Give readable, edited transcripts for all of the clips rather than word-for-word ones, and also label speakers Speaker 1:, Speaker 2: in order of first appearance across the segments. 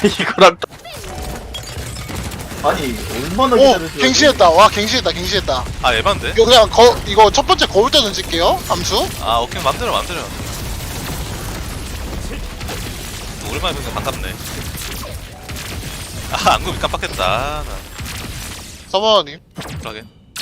Speaker 1: 이거랑 아니 얼마나
Speaker 2: 오!
Speaker 1: 기다렸어요.
Speaker 2: 갱신했다. 와, 갱신했다.
Speaker 3: 아 에반데?
Speaker 2: 이거 그냥 이거 첫 번째 거울 때 던질게요. 암수.
Speaker 3: 아 오케이 맘대로. 오랜만에 보니까 반갑네. 아 안구비 깜빡했다. 나
Speaker 2: 서버님.
Speaker 3: 그러게.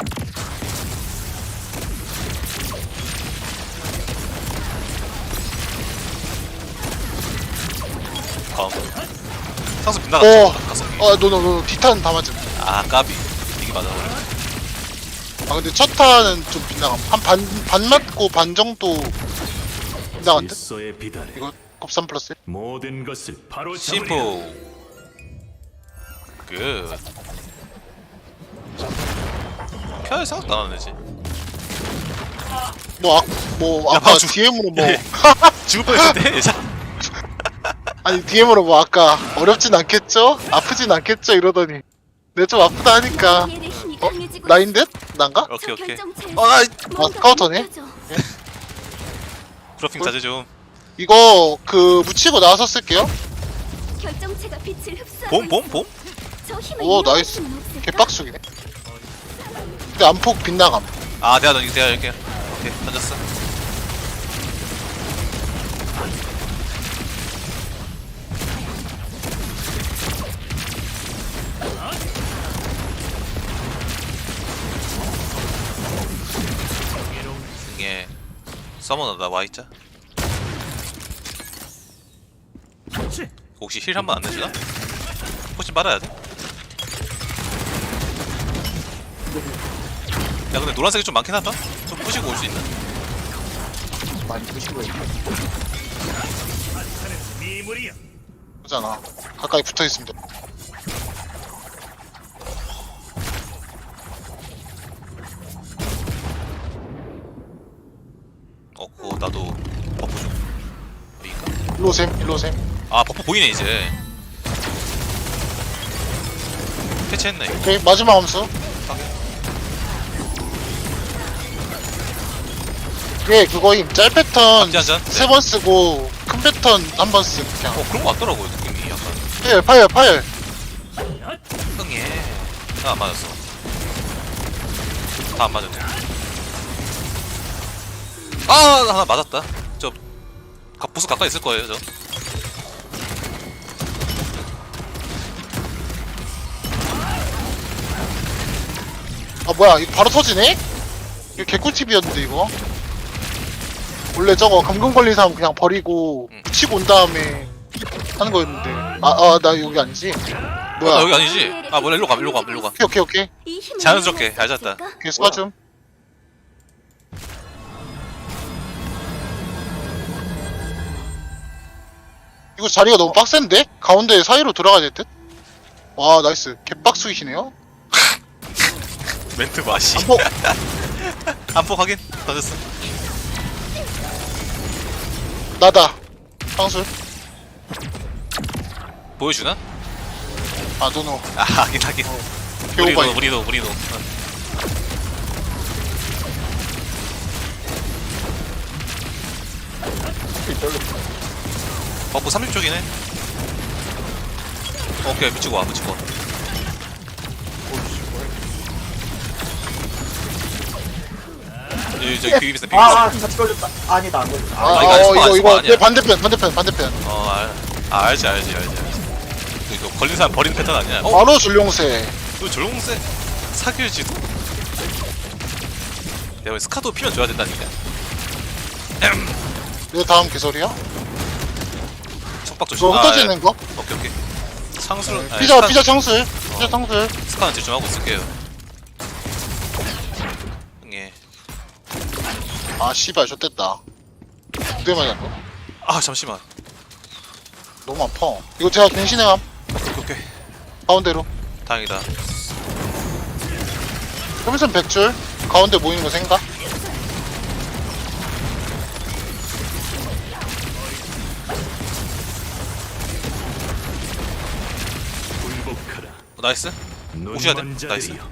Speaker 3: 상수 빗나갔어. 가성비.
Speaker 2: 노. 티탄 다 맞음.
Speaker 3: 아 까비. 이게 맞아.
Speaker 2: 아, 근데 첫 탄은 좀 빗나감. 반 맞고 반 정도 빗나간 듯?
Speaker 4: 질서에 비달해
Speaker 2: 이거 곱삼 플러스.
Speaker 4: 모든 것을 바로
Speaker 3: 심포. 굿. 켜야 생각도 안 하네지.
Speaker 2: 뭐,
Speaker 3: 야,
Speaker 2: 아까
Speaker 3: 봐줘.
Speaker 2: DM으로 뭐.
Speaker 3: 죽을 뻔했는데 예전.
Speaker 2: 아니, DM으로 뭐, 아까 어렵진 않겠죠? 아프진 않겠죠? 이러더니. 내가 좀 아프다 하니까. 나인 듯? 난가?
Speaker 3: 오케이.
Speaker 2: 아, 카운터네?
Speaker 3: 브로핑 자제 좀.
Speaker 2: 이거, 묻히고 나와서 쓸게요.
Speaker 3: 봄?
Speaker 2: 오, 나이스. 개빡수기네. 근데 안폭 빗나감.
Speaker 3: 아 내가 이렇게. 오케이 던졌어. 이게 서머너 나 와있자. 혹시 힐 한 번 안 내주나? 혹시 말아야 돼? 야 근데 노란색이 좀 많긴 하다? 좀 부시고 올 수 있나?
Speaker 1: 많이 부시고 있네.
Speaker 2: 그잖아. 가까이 붙어 있으면 돼.
Speaker 3: 그거 나도 버프 좀 보인가?
Speaker 2: 일로 오셈.
Speaker 3: 아 버프 보이네 이제. 캐치했네 이거.
Speaker 2: 오케이, 마지막 함수. 예, 그거임. 짤 패턴
Speaker 3: 앞뒤 한 잔?
Speaker 2: 3번 쓰고, 큰 패턴 한 번 쓰고, 그냥.
Speaker 3: 그런 거 같더라고요 느낌이 약간.
Speaker 2: 파열.
Speaker 3: 흥해. 안 맞았어. 다 안 맞았네. 아 하나 맞았다. 보스 가까이 있을 거예요 저.
Speaker 2: 아, 뭐야, 이거 바로 터지네? 이거 개꿀팁이었는데, 이거. 원래 저거 감금 걸린 사람 그냥 버리고, 치고 온 다음에 하는 거였는데. 나 여기 아니지? 뭐야.
Speaker 3: 여기 아니지? 아 뭐야 일로 가.
Speaker 2: 오케이.
Speaker 3: 자연스럽게 잘 잤다.
Speaker 2: 오케이, 수고하줌. 이거 자리가 너무 빡센데? 가운데 사이로 들어가야 될 듯? 와, 나이스. 개빡수이시네요?
Speaker 3: 멘트 맛이.
Speaker 2: 안폭!
Speaker 3: 안폭 확인. 던졌어.
Speaker 2: 나다. 상술.
Speaker 3: 보여주나?
Speaker 2: 아, 노노.
Speaker 3: 아 하긴.
Speaker 2: 개오바이.
Speaker 3: 우리도. 버프 30쪽이네. 오케이 붙이고 와. 저기 비비스 비비스.
Speaker 1: 같이 걸렸다. 아니다 안 걸렸다.
Speaker 3: 이거 아니야,
Speaker 2: 이거
Speaker 3: 아니야.
Speaker 2: 내 반대편.
Speaker 3: 알지. 이거 걸린 사람 버리는 패턴 아니야?
Speaker 2: 바로 줄용세.
Speaker 3: 너 조롱세 사귈지도? 내가 왜 스카도 피면 줘야 된다니까.
Speaker 2: 이거 다음 개설이야?
Speaker 3: 속박 조심.
Speaker 2: 이거 흩어지는 거?
Speaker 3: 오케이. 상수는
Speaker 2: 피자 창술.
Speaker 3: 스카는 집중하고 있을게요. 예.
Speaker 2: 아, 씨발, 좆됐다. 두대 맞았어.
Speaker 3: 아 잠시만.
Speaker 2: 너무 아파. 이거 제가 갱신해감.
Speaker 3: 오케이.
Speaker 2: 가운데로.
Speaker 3: 다행이다.
Speaker 2: 그러면서 100줄. 가운데 모이는 거 생각?
Speaker 4: 굴복하라
Speaker 3: 나이스. 오셔야 돼.
Speaker 4: 눈먼
Speaker 3: 나이스.
Speaker 4: 자들이여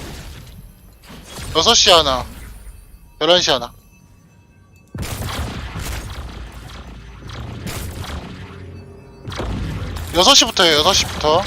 Speaker 2: 6시 하나. 11시 하나. 6시부터요, 6시부터.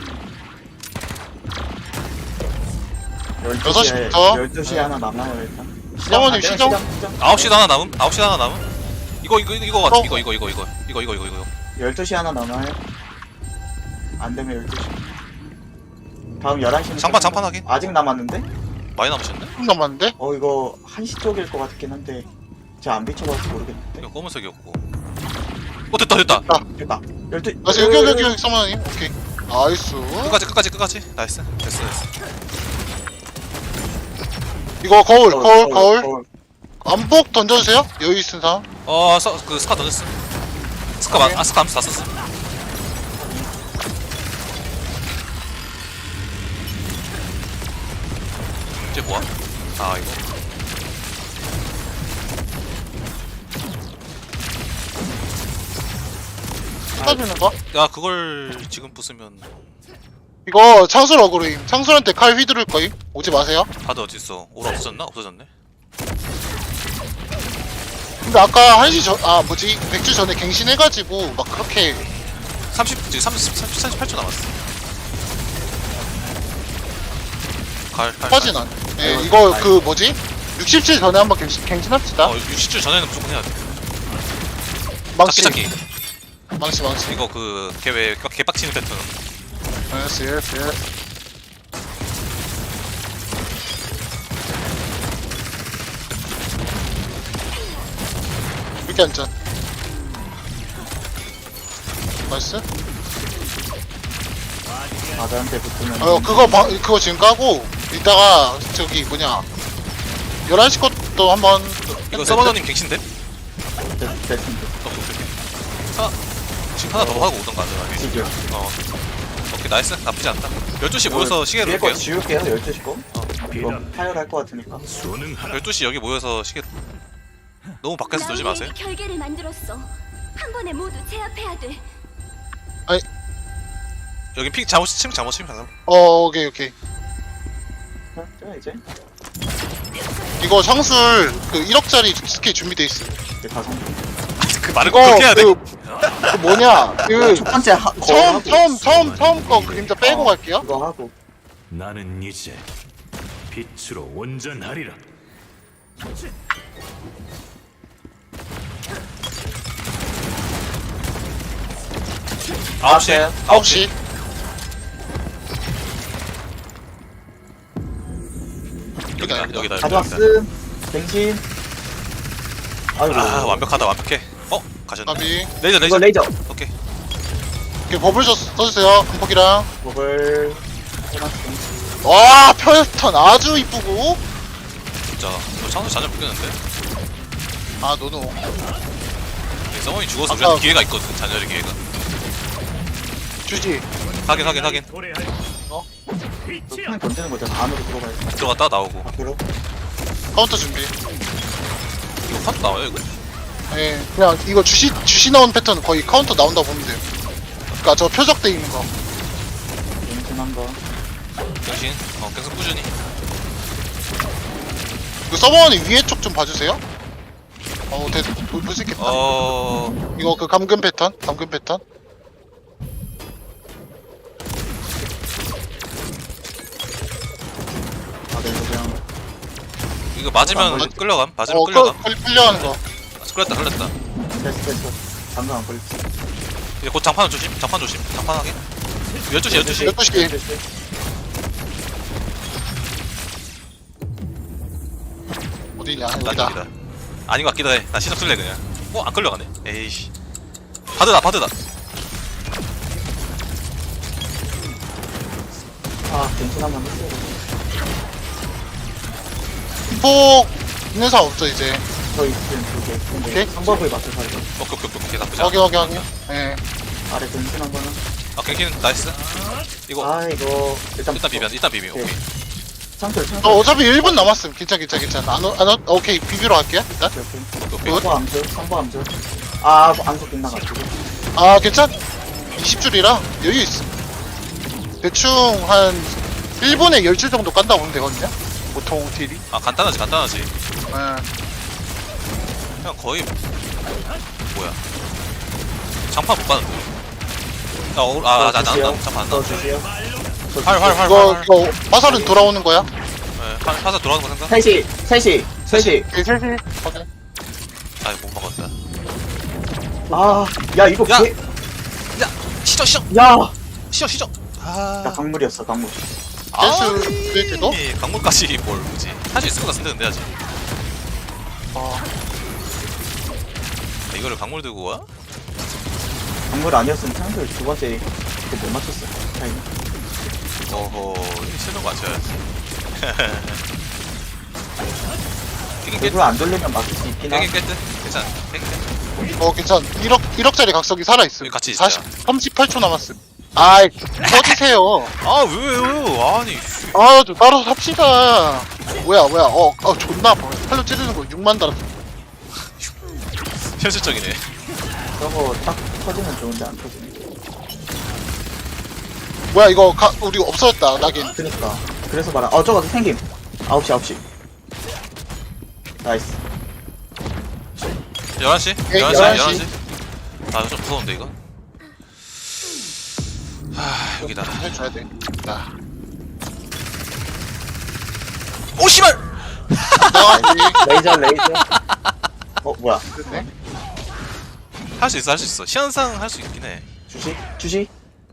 Speaker 1: 12시에
Speaker 2: 6시부터.
Speaker 1: 12시에 하나 남아요 일단.
Speaker 2: 사모님 시정?
Speaker 3: 9시 하나 남음? 9시 하나 남음? 이거 같아.
Speaker 2: 어.
Speaker 3: 이거.
Speaker 1: 12시 하나 남아요. 안 되면 12시. 다음 11시는
Speaker 3: 장판 하긴.
Speaker 1: 아직 남았는데?
Speaker 3: 많이 남으셨네?
Speaker 2: 좀 남았는데?
Speaker 1: 이거 1시 쪽일 것 같긴 한데 제가 안 비춰봐서 모르겠는데.
Speaker 3: 이거 검은색이었고. 됐다.
Speaker 1: 됐다. 12.
Speaker 2: 아, 여기, 사모님. 오케이. 나이스.
Speaker 3: 끝까지. 나이스. 됐어.
Speaker 2: 이거 거울. 안폭 던져주세요. 여유 있은 사람.
Speaker 3: 그 스카 던졌어. 스카 암수 다 썼어. 이제 뭐야? 이거.
Speaker 2: 쏟아주는 거?
Speaker 3: 야, 그걸 지금 부수면
Speaker 2: 이거 창술 어그로임. 창술한테 칼 휘두를 거임. 오지 마세요.
Speaker 3: 다들 어딨어? 오라 없어졌나? 없어졌네.
Speaker 2: 근데 아까 1시 전, 맥주 전에 갱신해가지고 막 그렇게
Speaker 3: 지금 38초 남았어. 칼.
Speaker 2: 빠진 않네. 예, 이거 그 뭐지? 67 전에 한번 갱신합시다.
Speaker 3: 60줄 전에는 무조건 해야 돼.
Speaker 2: 망치.
Speaker 3: 찾기.
Speaker 2: 망치.
Speaker 3: 이거 걔왜 개빡치는 패턴.
Speaker 2: 예스. 이렇게 앉자. 나이스.
Speaker 1: 바다한테 붙으면
Speaker 2: 그거 지금 까고, 이따가, 11시 것도 한번.
Speaker 3: 이거 서버너님 갱신돼?
Speaker 1: 됐습니다.
Speaker 3: 지금 하나 더 하고 오던가 안전하게.
Speaker 1: 지금
Speaker 3: 오케이, 나이스. 나쁘지 않다. 12시 모여서 시계
Speaker 1: 위에 거
Speaker 3: 놓을게요.
Speaker 1: 지울게요 12시 거. 이거
Speaker 4: 비단
Speaker 1: 파열할 것 같으니까.
Speaker 4: 수능하라.
Speaker 3: 12시 여기 모여서 시계. 너무 밖에서 놀지 마세요.
Speaker 5: 결계를 만들었어. 한 번에 모두 제압해야 돼.
Speaker 3: 여기 픽 잘못 침.
Speaker 2: 오케이.
Speaker 1: 자 이제
Speaker 2: 이거 창술, 1억짜리 스킬 준비돼 있어.
Speaker 1: 이제 가서
Speaker 3: 그 말을 꼭 그렇게 해야 돼.
Speaker 2: 그 뭐냐,
Speaker 1: 첫 번째
Speaker 2: 처음 거 그림자 빼고 갈게요.
Speaker 1: 그거 하고
Speaker 4: 나는 이제 빛으로 온전하리라.
Speaker 3: 9시.
Speaker 2: 9시.
Speaker 3: 여기다.
Speaker 1: 가져왔음. 갱신. 아이고.
Speaker 3: 완벽해. 가셨네.
Speaker 2: 나비.
Speaker 3: 레이저.
Speaker 1: 이거 레이저.
Speaker 3: 오케이.
Speaker 2: 이렇게 버블 써주세요. 금폭이랑.
Speaker 1: 버블.
Speaker 2: 와, 패턴 아주 이쁘고.
Speaker 3: 진짜. 너 창수 자주 바뀌었는데.
Speaker 2: 노노.
Speaker 3: 서머니 죽어서
Speaker 2: 아까-
Speaker 3: 우리한테 기회가 있거든. 잔열의 기회가.
Speaker 2: 주지.
Speaker 3: 확인.
Speaker 4: 도래할 빛이야.
Speaker 1: 그냥 던지는 거잖아. 안으로 들어가야 돼.
Speaker 3: 들어갔다 나오고.
Speaker 1: 밖으로.
Speaker 2: 카운터 준비.
Speaker 3: 이거 카드 나와요 이거?
Speaker 2: 예, 그냥 이거 주시 나온 패턴 거의 카운터 나온다고 보면 돼요. 그니까 저 표적돼 있는 거.
Speaker 1: 갱신한 거.
Speaker 3: 정신. 계속 꾸준히.
Speaker 2: 그 서버원이 위에 쪽 좀 봐주세요. 볼 수 있겠다. 이거 그 감금 패턴.
Speaker 1: 네, 이거 그냥
Speaker 3: 이거 맞으면
Speaker 1: 안
Speaker 3: 끌려감. 맞으면 끌려감.
Speaker 2: 끌려가는 거.
Speaker 3: 끌렸다.
Speaker 1: 됐어. 방금 안 걸렸어.
Speaker 3: 이제 곧 장판 조심. 장판 하게. 12시.
Speaker 2: 12시. 어디냐,
Speaker 3: 난
Speaker 2: 여기다.
Speaker 3: 여기다. 아닌 것 같기도 해. 나 시작 쓸래 그냥. 안 끌려가네. 에이씨. 바드다.
Speaker 1: 갱신 한번 했어요.
Speaker 2: 폭 있는 사람 없죠, 이제.
Speaker 1: 저 있음 두 개. 근데
Speaker 2: 오케이.
Speaker 1: 상법을 맞춰 살죠.
Speaker 3: 오케이. 나쁘지 않아.
Speaker 2: 확인. 예.
Speaker 1: 아래 갱신 한 거는.
Speaker 3: 갱신 나이스. 이거
Speaker 1: 이거 일단
Speaker 3: 일단 비비. 오케이.
Speaker 1: 창틀.
Speaker 2: 어차피 1분 남았음. 괜찮아. 오케이, 비비로 갈게요, 일단.
Speaker 3: 오케이.
Speaker 1: 상보 암수. 암수 빗나가지고.
Speaker 2: 괜찮? 20줄이라 여유 있음. 대충 한 1분에 10줄 정도 깐다고 보면 되거든요. 보통 딜이.
Speaker 3: 간단하지.
Speaker 2: 예.
Speaker 3: 그냥 거의 뭐야. 장판 못 가는데. 나 잠깐 안 나왔다.
Speaker 1: 주세요.
Speaker 3: 활.
Speaker 2: 이거 화살은 돌아오는 거야?
Speaker 3: 네, 화살 돌아가는 거 생각?
Speaker 1: 3시 3시 3시.
Speaker 2: 네, 셋이. 오케이.
Speaker 3: 아이 못 먹었다.
Speaker 1: 야 이거
Speaker 3: 야!
Speaker 1: 개.
Speaker 3: 야 시저.
Speaker 1: 야.
Speaker 3: 아.
Speaker 1: 나 강물이었어 강물.
Speaker 2: 댄스 댄스도?
Speaker 3: 강물까지 뭘 뭐지? 할 수 있을 것 같은데 근데 아직. 이거를 강물 들고 와?
Speaker 1: 강물 아니었으면 상대 두 번째 그못 맞췄어. 타임.
Speaker 3: 어허 이게 실력 맞춰야지. 깨긴
Speaker 1: 일부러 안 돌리면 맞출 수 있긴 하.
Speaker 3: 깨긴 깼듯? 괜찮아. 깨긴 깼.
Speaker 2: 괜찮. 1억짜리 각성기 살아있음.
Speaker 3: 여기 같이 있자.
Speaker 2: 38초 남았음. 아이, 꺼지세요.
Speaker 3: 아 왜요? 아니.
Speaker 2: 아, 좀 따로 삽시다. 뭐야. 존나 아파. 팔로 찌르는 거 6만 달았어.
Speaker 3: 현실적이네.
Speaker 1: 저거 딱 터지면 좋은데 안 터지네.
Speaker 2: 뭐야, 우리 없어졌다, 낙인.
Speaker 1: 그니까. 그래서 말아. 저거 생김. 9시. 나이스.
Speaker 3: 11시?
Speaker 2: 예,
Speaker 3: 11시? 아 이거 좀 무서운데 이거? 여기다.
Speaker 2: 해줘야 돼. 자.
Speaker 3: 오 씨발!
Speaker 1: 레이저. 뭐야.
Speaker 2: 됐네.
Speaker 3: 할 수 있어. 시한상 할 수 있긴 해.
Speaker 1: 주시.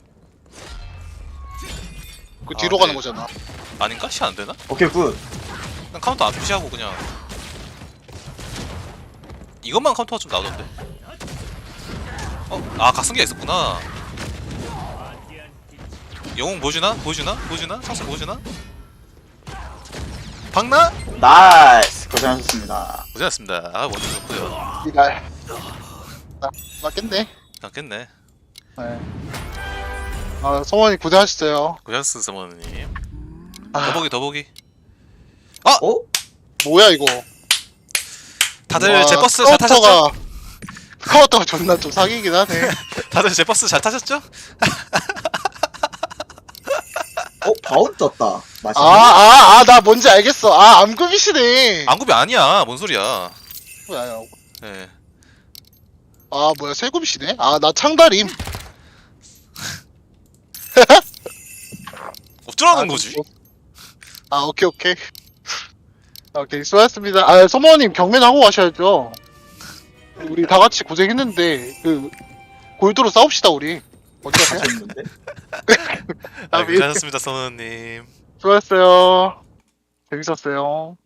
Speaker 2: 그 뒤로
Speaker 3: 아,
Speaker 2: 가는
Speaker 3: 네.
Speaker 2: 거잖아.
Speaker 3: 아닌가? 시 안 되나?
Speaker 1: 오케이 굿.
Speaker 3: 그냥 카운터 안 푸시하고 그냥 이것만 카운터가 좀 나오던데. 각성기가 있었구나. 영웅 보여주나? 창수 보여주나? 박나?
Speaker 1: 나이스. 고생하셨습니다.
Speaker 3: 고생하셨습니다. 먼저 좋고요.
Speaker 2: 이날. 맞겠네.
Speaker 3: 낫겠네.
Speaker 2: 네. 성원이 고생하셨어요.
Speaker 3: 고생하셨습니다, 서머님.
Speaker 2: 아,
Speaker 3: 더보기.
Speaker 2: 뭐야, 이거.
Speaker 3: 다들
Speaker 2: 와,
Speaker 3: 제 버스 잘 타셨죠?
Speaker 2: 스카우터가 존나 좀 사기긴 하네.
Speaker 3: 다들 제 버스 잘 타셨죠?
Speaker 1: 바운 떴다. 맛있네.
Speaker 2: 나 뭔지 알겠어. 암급이시네.
Speaker 3: 안굽이 아니야. 뭔 소리야?
Speaker 2: 뭐야,
Speaker 3: 예.
Speaker 2: 뭐야, 세급이시네? 나 창다림.
Speaker 3: 어쩌라는 거지?
Speaker 2: 오케이. 오케이, 수고하셨습니다. 소모님 경매하고 가셔야죠. 우리 다 같이 고생했는데, 골드로 싸웁시다, 우리. 어디 가세요?
Speaker 1: 재밌는데?
Speaker 3: 고생하셨습니다, 서머님.
Speaker 2: 수고하셨어요. 재밌었어요.